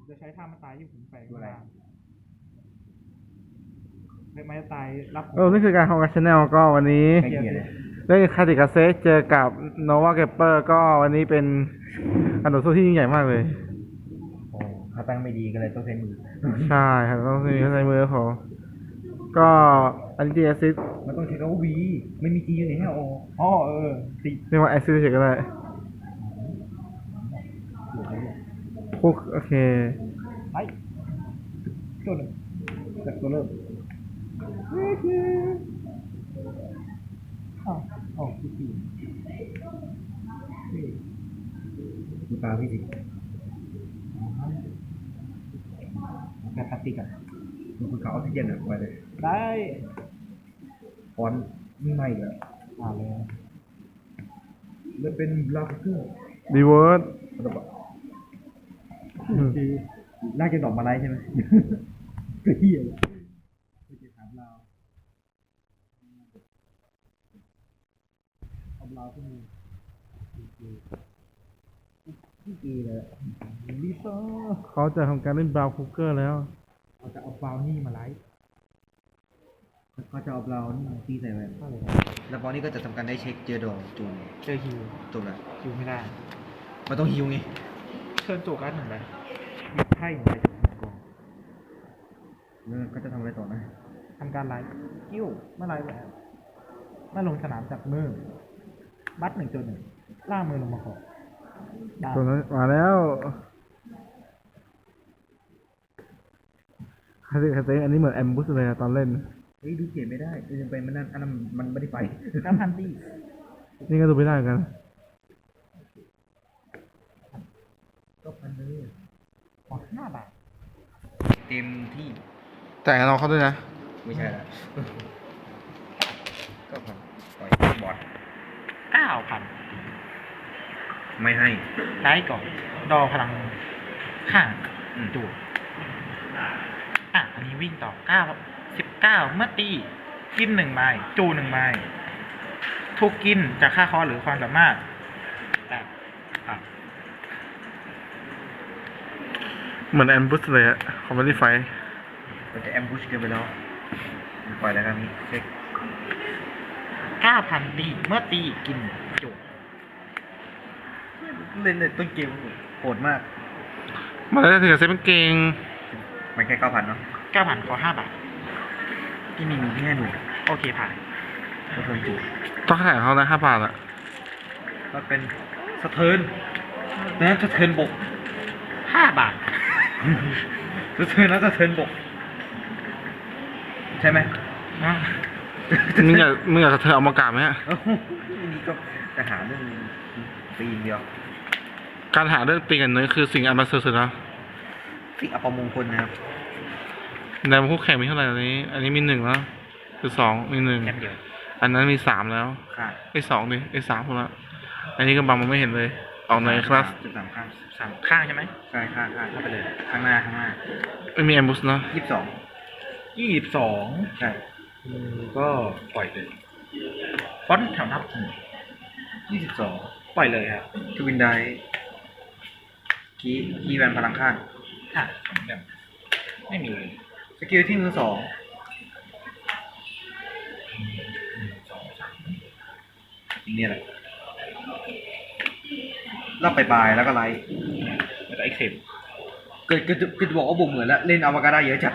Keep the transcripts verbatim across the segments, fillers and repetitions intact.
จะใช้ท่ามาตายที่ผมแฝงตัวอะไรมาเล็กไม้ตายรับเออนี่คือการของการชแนลก็วันนี้ใกล้เคียงเลยเล่นคาติกาเซเจอกับโนวาเกปเปอร์ก็วันนี้เป็นการต่อสู้ที่ยิ่งใหญ่มากเลยโอ้เขาตั้งไม่ดีก็เลยต้องใช้มือใช่ครับต้องมีในมือเขาก็อันนี้แอซิดมันต้องใช้คำว่าวีไม่มีจีอยู่ในแฮโออ๋อเออติเรียกว่าแอซิดเฉยๆก็ได้พวกโอเคไปตัวหนึ่งจากตัวเริ่มอ้าวอ๋อพี่ปีดูตาพี่สิแบบพลาสติกอ่ะดูคุณเขาออกซิเจนอ่ะไปเลยได้ฟอนต์นี่ไม่เลยอ่าเลยมันเป็นลาฟเกอร์ดีเวิร์ดระเบิดน่าจะดอกมาไลใช่ไหมก็เฮียเลยไม่จะถามเราเอาเราขึ้นมือพี่กีเลยลิซ่าเขาจะทำการเล่นบราวน์คุกเกอร์แล้วเราจะเอาบราวนี่มาไลฟ์เขาจะเอาเรานี่ตีใส่ไว้ก็เลยแล้วบอลนี่ก็จะทำการได้เช็คเจอดอกจูนเจอฮิวจบแล้วฮิวไม่ได้มันต้องฮิวไงเชิญโจกัสหนึ่งใบหยิบไพ่หนึ่งใบจากกองแล้วก็จะทำอะไรต่อนะทำการไลฟ์กิ้วเมื่อไลฟ์แบบเมื่อลงสนามจากมือบัตหนึ่งจนหนึ่งล่ามือลงมาขอได้ตัวนั้นมาแล้วคาติกาเซอันนี้เหมือนแอมบูสเลยอะตอนเล่นเฮ้ยดูเขียนไม่ได้ดูไปมันนั่นอันนั้นมันไม่ได้ไปน้ำพันตี้นี่ก็ดูไม่ได้เหมือนกันก็พันเลยขอห้าบาทเต็มที่แต่น้องเขาด้วยนะไม่ใช่ละก็พันปล่อยบอดเก้าพันไม่ให้ไลฟ์ก่อน ดอพลังข้างอืมจูดอ่ะ อันนี้วิ่งต่อเก้าสิบเก้าเมื่อตี กินหนึ่งไม้จูหนึ่งไม้ถูกกินจากค่าคอหรือความสามารถแต่อ่ะเหมือนแอมบูสเลยอะคอมเมดี้ไฟมันจะแอมบูชเกินไปแล้วปล่อยแล้วครับนี่เช็คเก้าพันตีเมื่อตีกินจูดเล่นเลยต้นเกมโหดมากมาแล้วถึงกับเซฟเป็นเก่งมันแค่เก้าพันเนาะเก้าพันขอห้าบาทที่มีมีแค่หมื่นโอเคผ่านก็เพิ่มจุต้องขายเขานะห้าบาทอะก็เป็นสะเทินนะสะเทินบกห้าบาทสะเทินนะสะเทินบก ใช่ไหมนะมึงอยากมึงอยากจะเธอเอามากราบไหมฮะเอ้านี่ก็จะหาเรื่องปีนเดียวการหาเรื่องตีกันเนื้อคือสิ่งอันประเสริฐสุดแล้วสิ่งอัปมงคลนะครับในคู่แข่งมีเท่าไหร่อันนี้ อันนี้มีหนึ่งแล้ว คือสองมีหนึ่งแค่เดียวอันนั้นมีสามแล้วค่ะไอ้สองดิไอ้สามคนละอันนี้ก็บังมันไม่เห็นเลย ออกในคลาสจุดสามข้างสามข้างใช่ไหมใช่ข้างข้างเข้าไปเลย ข้างหน้าข้างหน้าไม่มีแอมบูสเนาะยี่สิบสองยี่สิบสองใช่ก็ปล่อยเลยฟอนต์แถวนับยี่สิบสองปล่อยเลยครับทวินไดคีคีแวนพลังข้างค่ะแบบไม่มีเลยสกิลที่มือสองเนี่ยแหละรอบปลายๆแล้วก็ไลท์แล้วก็เอ็กเซมเกิดเกิดเกิดบอกว่าบุกเหมือนแล้ว เล่นอวกาศเยอะจัด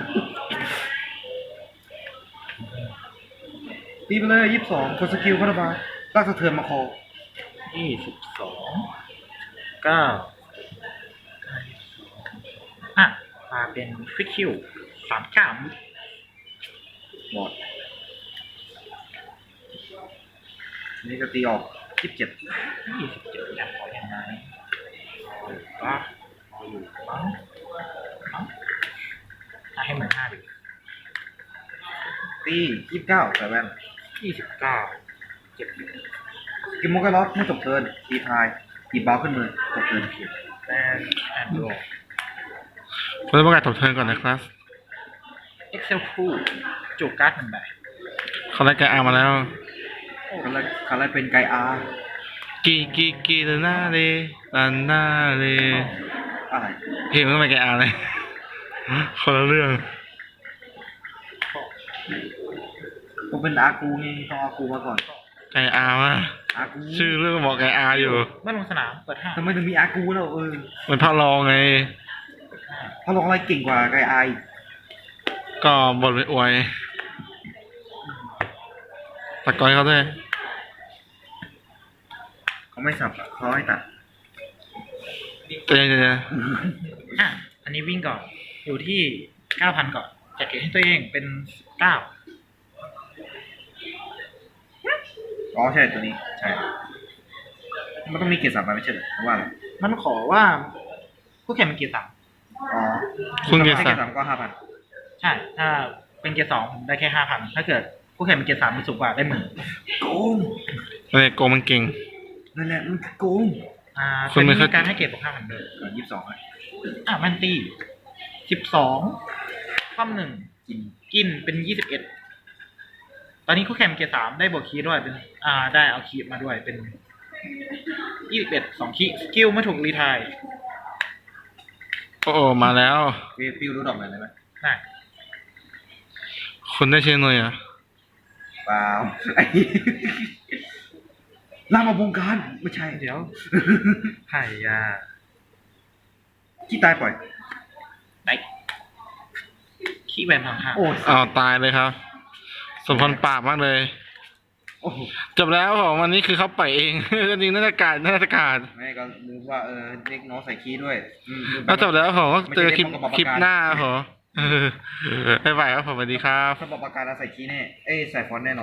ตีไปเลยยี่สิบสองกดสกิลคาราบาลากสะเทือนมาคอยี่สิบสองเก้าอ่ะมาเป็นฟิกคิวสามเก้าบอดนี่ก็ตีออกยี่สิบเจ็ดยี่สิบเจ็ดอยากขอยังไงก็รออยู่มั้งมั้งอ่ะให้เหมือนห้าดิตียี่สิบเก้าใส่แว่นยี่สิบเก้าเจ็ดกิมโมกล็อกไม่จบเทิร์นตีทายตีบอลขึ้นมือจบเทิร์นแอนแอนโดเราต้องประกาศตบเทิร์นก่อนในคลาสเอ็กเซลคู่จูการ์ดหนึ่งใบเขาได้แกอามาแล้วคาราคาราเป็นไกอาร์กีกีกีลานาเลลานาเลออะไรเพลงมันไม่แกอ่านเลย คนละเรื่องผมเป็นอากูไงต้องอากูมาก่อนไกอาร์มาอากูชื่อเรื่องบอกไกอาร์อยู่เมื่อลงสนามเปิดห้าทำไมถึงมีอากูแล้วเออมันพระรองไงเขาลองอะไรเก่งกว่าไกไอก็บทไปอวยตะกอยเขาด้วยเขาไม่สับอะเขาให้ตัดเจ๊เจ๊อ่ะอันนี้วิ่งก่อน อยู่ที่เก้าพันก่อนจัดเก็บให้ตัวเองเป็นเก้าอ๋อใช่ตัวนี้ใช่มันต้องมีเกียร์สับมาไม่ใช่เหรอหรือว่าอะไรมันขอว่าคู่แข่งเป็นเกียร์สามอ๋อคุณเกียรถ้าติเกีศัยกร์ดิ์สับก็ห้าพันใช่ ถ้าเป็นเกียร์สองผมได้แค่ห้าพันถ้าเกิดคู่แข่งเป็นเกียร์สามมันสูงกว่าได้หมื่นโกงอะไรโกมันเก่งนั่นแหละมันโกงอ่าคุณไม่เป็นเข้าการให้เกียรติบวกห้าพันเลยก่อนยี่สิบสองอ่ะมันตีสิบสองคว่ำหนึ่งกินกินเป็นยี่สิบเอ็ดตอนนี้คู่แข่งเป็นเกียร์สามได้บวกคีย์ด้วยเป็น อ่า ได้เอาคีย์มาด้วยเป็นยี่สิบเอ็ดสองคีย์สกิลไม่ถูกรีไทายโอ้โอ้มาแล้วฟิวฟิวรู้ดอกไหนได้ไหมได้คุณได้เชื่อหน่อยเหรอ่ะเปล่าไอ้ล่ามาบงการไม่ใช่เดี๋ยวไผ่ยาขี้ตายปล่อยได้คีย์แวนทางข้างโอ้ยอ้าวตายเลยครับ สมพรปราบมากเลยโอ้โหจบแล้วผมวันนี้คือเขาปล่อยเอง ก็จริงน่าจะการน่าจะการแม่ก็ลืมว่าเออเด็กน้องใส่ขี้ด้วยอืมลืมไปแล้วจบแล้วผมก็เจอคลิปไม่ใช่เด็กน้องกับปะคลิปการหน้าครับผม บ๊ายบายครับผมสวัสดีครับถ้าบอกประกาศแล้วใส่ขี้แน่เอ้ยใส่ฟอนต์แน่นอน